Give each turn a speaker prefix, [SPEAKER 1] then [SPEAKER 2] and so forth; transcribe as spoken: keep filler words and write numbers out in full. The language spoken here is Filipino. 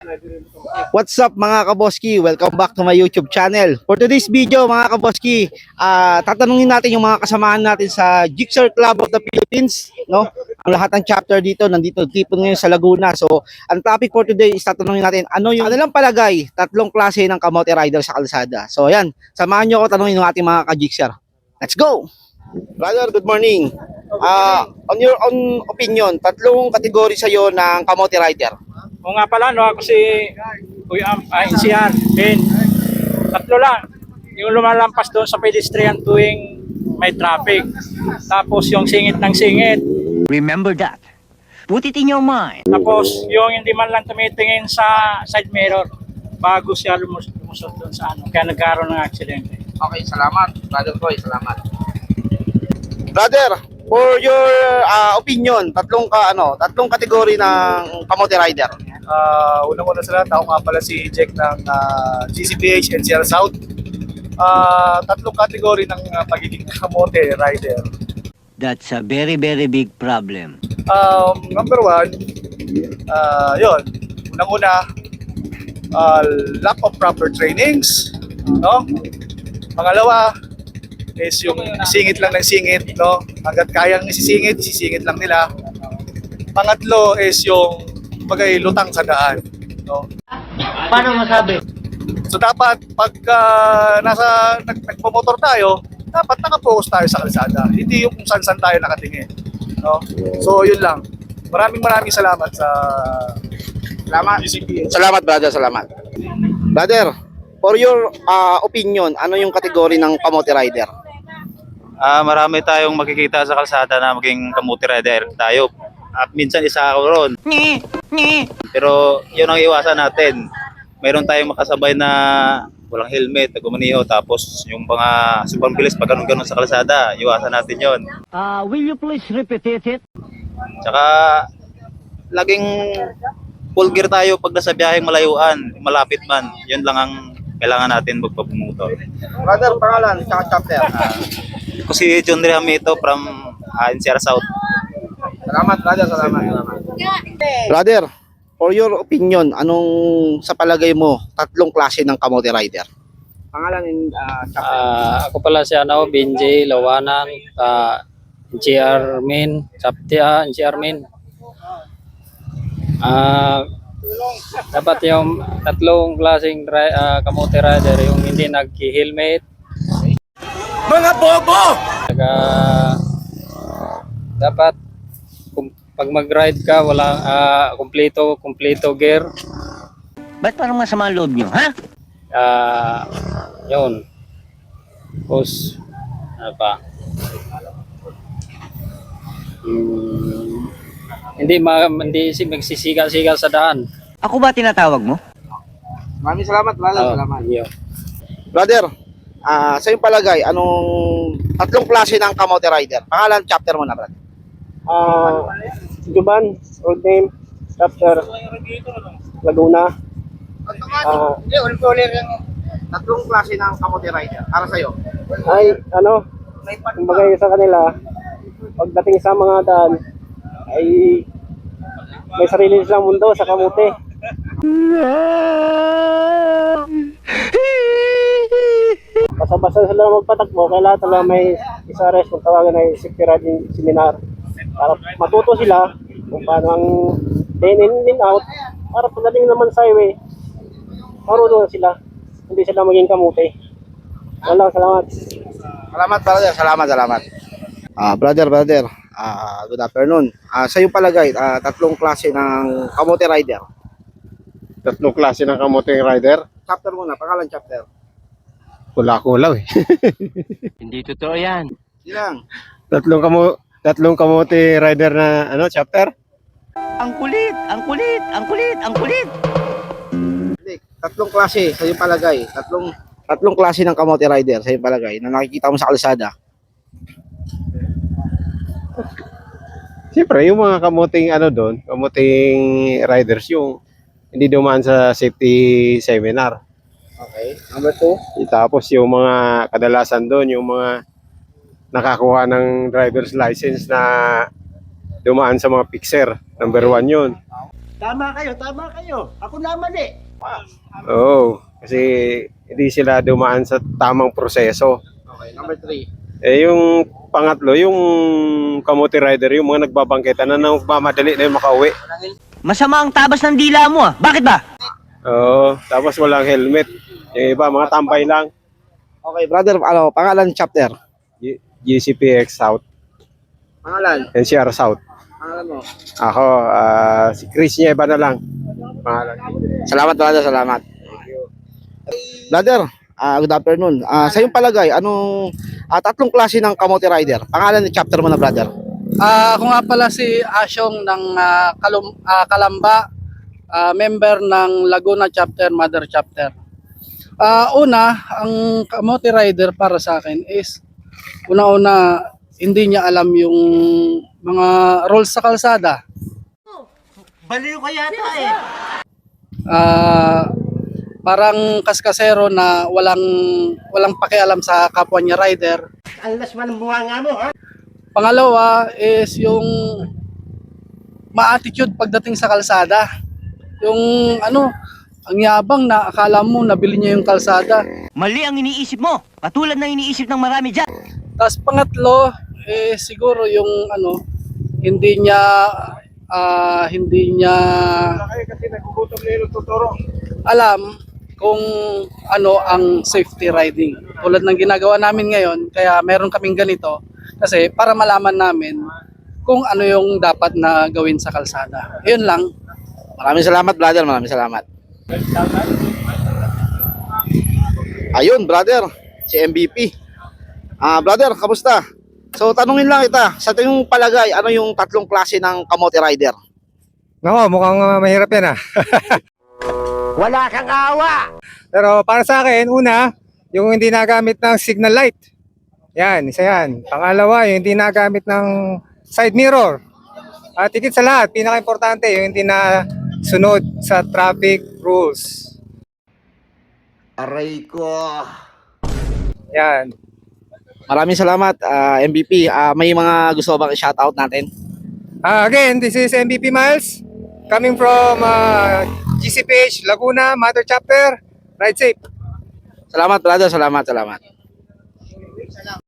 [SPEAKER 1] What's up mga kaboski? Welcome back to my YouTube channel. For today's video mga kaboski, uh, tatanungin natin yung mga kasamahan natin sa Jigsaw Club of the Philippines, no? Ang lahat ng chapter dito nandito tipon ngayon sa Laguna. So, ang topic for today is tatanungin natin ano yung ano lang palagay, tatlong klase ng kamote rider sa kalsada. So, ayan, samahan niyo ako tanungin ng ating mga ka-Jigsaw. Let's go. Brother, good morning. Uh, on your own opinion, tatlong kategory sa iyo ng kamote rider.
[SPEAKER 2] O nga pala, no, ako si Kuya Am, ah, Insian, Ben. Tatlo lang. Yung lumalampas doon sa pedestrian tuwing may traffic. Tapos yung singit ng singit.
[SPEAKER 3] Remember that. Put it in your mind.
[SPEAKER 2] Tapos yung hindi man lang tumitingin sa side mirror bago siya lumus lumusot doon sa ano. Kaya nagkaroon ng aksidente.
[SPEAKER 1] Okay, salamat. Brother Koy, salamat. Brother, for your uh, opinion, tatlong ka ano, tatlong kategory ng kamote rider.
[SPEAKER 4] Uh, Unang-una sa lahat, ako nga pala si Jack ng uh, G C P H N C R South. Uh, tatlong kategory ng uh, pagiging kamote rider.
[SPEAKER 3] That's a very, very big problem.
[SPEAKER 4] Um, number one, uh, yun, unang-una, uh, lack of proper trainings, no? Pangalawa, is yung singit lang ng singit, no? Hanggat kayang isisingit, isisingit lang nila. Pangatlo is yung bagay lutang sa daan, no?
[SPEAKER 3] Paano masabi?
[SPEAKER 4] So dapat pag uh, nasa nag, nagpo-motor tayo, dapat naka-focus tayo sa kalsada. Hindi yung kung saan-saan tayo nakatingin, no? So yun lang. Maraming maraming salamat sa
[SPEAKER 1] Salamat. Salamat brother, salamat. Brother, for your uh, opinion, ano yung kategory ng kamote rider?
[SPEAKER 5] Ah, marami tayong makikita sa kalsada na maging kamote rider tayo. At minsan isa ako ron. Pero yun ang iwasan natin. Mayroon tayong makasabay na walang helmet, nagumaniho, tapos yung mga super bilis pag ganun-ganun sa kalsada, iwasan natin yon.
[SPEAKER 3] Uh, will you please repeat it?
[SPEAKER 5] Tsaka laging full gear tayo pag nasa biyaheng malayuan, malapit man. Yun lang ang kailangan natin magpapumotor.
[SPEAKER 1] Brother, pangalan, tsaka chapter.
[SPEAKER 5] Ako si John Rihamito from uh, N C R South.
[SPEAKER 1] Salamat brother, salamat, salamat. Brother, for your opinion, anong sa palagay mo tatlong klase ng kamote rider? Pangalan and uh, chapter.
[SPEAKER 2] Ah, ako pala si ano, Benji Lawanan, uh, G R Min, Saptia, G R Min. Ah, dapat yung tatlong klaseng ri- ah, kamote rider, yung hindi nag-helmet.
[SPEAKER 4] mga bobo!
[SPEAKER 2] Saka dapat kung pag mag-ride ka walang ah, kumpleto kumpleto gear.
[SPEAKER 3] Ba't parang masama ang loob nyo, ha?
[SPEAKER 2] Ah, yun. Tapos ano pa? Hmm, hindi ma hindi si magsisigal-sigal sa daan.
[SPEAKER 3] Ako ba tinatawag mo?
[SPEAKER 1] Maraming salamat brother,
[SPEAKER 2] Oh,
[SPEAKER 1] salamat.
[SPEAKER 2] yun.
[SPEAKER 1] Brother, ah sa iyong palagay, anong tatlong klase ng kamote rider? Pangalan, chapter mo na brother.
[SPEAKER 6] Ah, Juban, road name, chapter, Laguna. Ah,
[SPEAKER 1] Tatlong klase ng kamote rider para sa iyo.
[SPEAKER 6] ay, ano, kumbaga sa kanila, pagdating sa mga daan, ay may sarili silang mundo sa kamote. Basta-basta sila magpatakbo, kailangan talaga may isa rest kung tawagan ay safety riding seminar. Para matuto sila kung paano ang din in, din out, para pagdating naman sa highway, marunong sila, hindi sila maging kamote. Wala, salamat.
[SPEAKER 1] Salamat brother, salamat, salamat. Ah, brother, brother. Ah, good afternoon. Ah, sa iyong palagay, ah, tatlong klase ng kamote rider.
[SPEAKER 7] Tatlong klase ng kamote rider.
[SPEAKER 1] Chapter muna, pangalan chapter.
[SPEAKER 7] Wala ko lang eh.
[SPEAKER 3] Hindi totoo yan.
[SPEAKER 1] Silang.
[SPEAKER 7] Tatlong kamo tatlong kamote rider na ano, chapter?
[SPEAKER 3] Ang kulit, ang kulit, ang kulit, ang kulit.
[SPEAKER 1] Hindi, tatlong klase sa iyong palagay. Tatlong tatlong klase ng kamote rider sa iyong palagay na nakikita mo sa kalsada.
[SPEAKER 7] Siyempre, yung mga kamuting ano doon, kamuting riders yung hindi dumaan sa safety seminar.
[SPEAKER 1] Okay. Number two.
[SPEAKER 7] Tapos yung mga kadalasan doon, yung mga nakakuha ng driver's license na dumaan sa mga fixer. Number one yun.
[SPEAKER 3] Tama kayo, tama kayo. Ako na mali.
[SPEAKER 7] Oo, kasi hindi sila dumaan sa tamang proseso.
[SPEAKER 1] Okay, number three.
[SPEAKER 7] Eh yung pangatlo, yung kamote rider, yung mga nagbabangketa na nagmamadali na yung makauwi.
[SPEAKER 3] Masama ang tabas ng dila mo ah. Bakit ba?
[SPEAKER 7] Oo, tapos walang helmet. Yung iba, mga tambay lang.
[SPEAKER 1] Okay, brother, ano, pangalan chapter?
[SPEAKER 7] G- G C P X South,
[SPEAKER 1] Pangalan?
[SPEAKER 7] N C R South.
[SPEAKER 1] Pangalan mo?
[SPEAKER 7] Ako, ah, si Chris Nieva na lang. Pangalan.
[SPEAKER 1] Salamat, brother, salamat. Brother, ah, good afternoon. Ah, sa iyong palagay, anong ah, tatlong klase ng kamote rider? Pangalan ni chapter mo na, brother?
[SPEAKER 8] Ah, ako nga pala si Asyong ng ah, Kalum- ah, Kalamba, ah, member ng Laguna Chapter, Mother Chapter. Ah, una, ang kamote rider para sa akin is una-una hindi niya alam yung mga rules sa kalsada.
[SPEAKER 3] Baliw ka yata eh.
[SPEAKER 8] Ah, parang kaskasero na walang walang pakialam sa kapwa niya rider.
[SPEAKER 3] Ang laswa ng buhanga mo ha.
[SPEAKER 8] Pangalawa is yung ma-attitude pagdating sa kalsada. Yung ano, ang yabang na akala mo nabili niya yung kalsada.
[SPEAKER 3] Mali ang iniisip mo. Katulad ng iniisip ng marami dyan.
[SPEAKER 8] Tapos pangatlo, eh siguro yung ano, hindi niya ah, hindi niya alam kung ano ang safety riding. Tulad ng ginagawa namin ngayon, kaya meron kaming ganito kasi para malaman namin kung ano yung dapat na gawin sa kalsada. Yun lang.
[SPEAKER 1] Maraming salamat, brother. Maraming salamat. Ayun, brother. Si M V P. Ah, brother, kamusta? So, tanungin lang kita. Sa tingin mong palagay, ano yung tatlong klase ng kamote rider?
[SPEAKER 9] Nako, mukhang uh, mahirap yan ah.
[SPEAKER 3] Wala kang awa.
[SPEAKER 9] Pero para sa akin, una, yung hindi nagamit ng signal light. Yan, isa yan. Pangalawa, yung hindi nagamit ng side mirror. At higit sa lahat, pinaka-importante, yung hindi na sunod sa traffic rules.
[SPEAKER 3] Aray ko.
[SPEAKER 9] Yan.
[SPEAKER 1] Maraming salamat, ah, M V P. Ah, may mga gusto bang i-shoutout natin?
[SPEAKER 9] Uh, again, this is M V P Miles coming from uh, G C P H Laguna Mother Chapter. Ride safe.
[SPEAKER 1] Salamat, brother. Salamat, salamat.